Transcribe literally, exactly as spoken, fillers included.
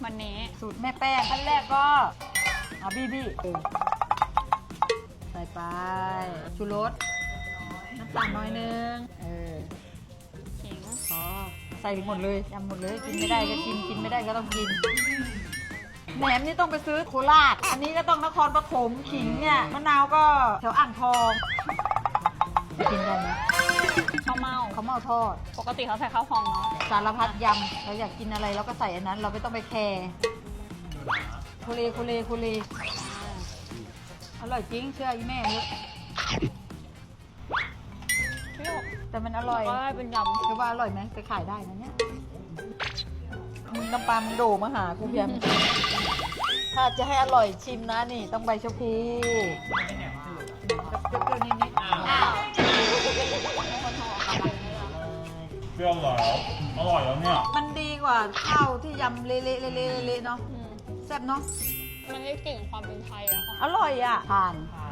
วันนี้สูตรแม่แป้งขั้นแรกก็เอาบี้บี้ใส่ไปชูรสน้ำตาลน้อยนึงเออขิงพอใส่หมดเลยยำหมดเลยกินไม่ได้ก็ชิมกินไม่ได้ก็ต้องกินแหนมนี่ต้องไปซื้อโคราชอันนี้ก็ต้องนครปฐมขิงเนี่ยมะนาวก็แถวอ่างทองกินได้ไหมข้าวเม่าเขาวเมาทอดปกติเขาใส่ข้าวพองเนาะสารพัดยำเราอยากกินอะไรเราก็ใส่อันนั้น เราไม่ต้องไปแคร์โคเลโคเลโคเลอร่อยจริงเชื่ออีแม่เลยเปรี้ยวแต่มันอร่อยก็ได้เป็นยคือว่าอร่อยไหมไปขายได้นะเนี่ยมึงน้ำปลามึงโดมาหากูเพียมถ้าจะให้อร่อยชิมนะนี่ต้องใบชะพูเปรี้ยวๆนิดำอ้าวเป็นคนทอดกำลังเลยเปรี้ยวแล้วอร่อยแล้วเนี่ยๆมันดีกว่าข้าวที่ยำเละๆเละๆเละๆเนาะอืมแซ่บเนาะมันได้กลิ่นความเป็นไทยอะอร่อยอ่ะทานอ่า